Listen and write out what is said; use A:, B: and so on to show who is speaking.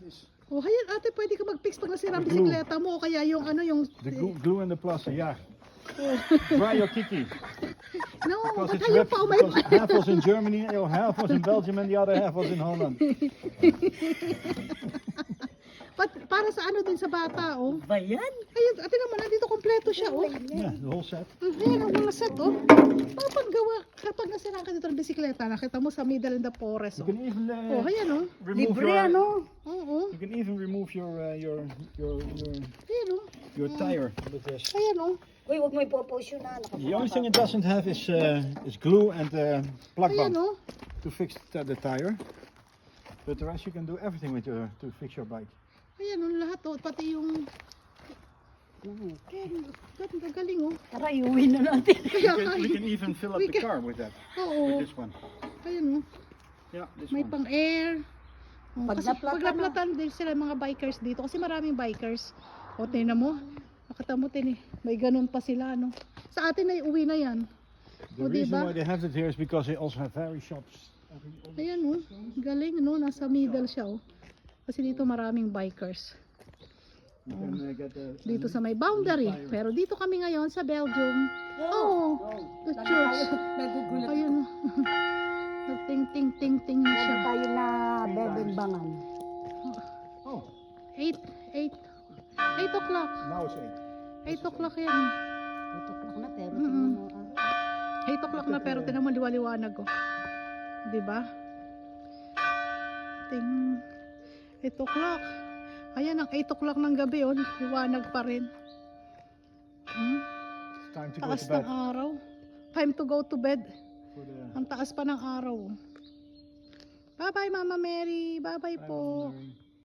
A: Oh, ayan ate, pwede ka mag-fix pag nasira ang bisikleta mo o kaya yung ano yung...
B: The glue and the plaster, yeah. Dry your kiki.
A: No,
B: Because
A: ba't
B: it's
A: ayaw
B: wet,
A: pa umay...
B: because half was in Germany, half was in Belgium, and the other half was in Holland.
A: Para sa ano din sa bata, oh.
C: Ba yan?
A: Ayun, ate naman, nandito kompleto siya, oh.
B: Yeah, the whole set.
A: Ayan ang mga set, oh. Mapaggawa, kapag nasira ka dito ng bisikleta, nakita mo sa middle in the forest,
B: You
A: oh.
B: can even
A: Oh, ayan, oh.
B: remove
C: Libre
B: your,
C: ano?
A: Oo,
B: You can even remove
A: ayan, oh.
B: your tire with this.
A: Ayan, oh.
C: Uy, huwag mo ipopost yun ha.
B: The only thing it doesn't have is glue and plug
A: Ayan,
B: bump
A: oh.
B: to fix the tire. But the rest you can do everything with to fix your bike.
A: Ayan, oh, lahat, oh. Pati yung... Ayan, ganda, galing, oh.
C: Tara, iuwi na natin.
A: Kaya,
B: We can even fill up
A: we
B: the
A: can-
B: car with that.
A: Oo.
B: With this one.
A: Ayan, oh.
B: Yeah, this
A: May
B: one.
A: pang-air. Oh,
C: Pag
A: kasi
C: naplatan
A: paglaplatan din sila mga bikers dito kasi maraming bikers. O tingnan mo, nakita mo may ganun pa sila no. Sa atin ay uwi na yan.
B: The
A: O
B: reason
A: diba?
B: why they have it here is because they also have very shops.
A: Ayan oh, galing no, nasa middle siya oh. Kasi dito maraming bikers.
B: You can get
A: Dito sa may boundary. Pero dito kami ngayon sa Belgium. Oh, the church.
C: Nagugulat.
A: Ayun oh. Nagting-ting-ting-ting na siya.
C: Meron tayo na bebembangan.
B: Oh,
A: 8 o'clock.
B: now it's
A: 8
B: 8.
A: o'clock yan.
C: Ito clock na pero
A: Mm-mm.
C: tingnan mo.
A: 8 o'clock na pero tinan mo liwaliwanag ko. 'Di ba? Ting 8 o'clock. Ayan ang 8 o'clock ng gabi oh, liwanag pa rin.
B: It's time to go
A: Taas
B: to
A: ng
B: bed.
A: araw. Time to go to bed.
B: For the-
A: Ang taas pa ng araw. Bye-bye Mama Mary. Bye-bye po.
B: Mary.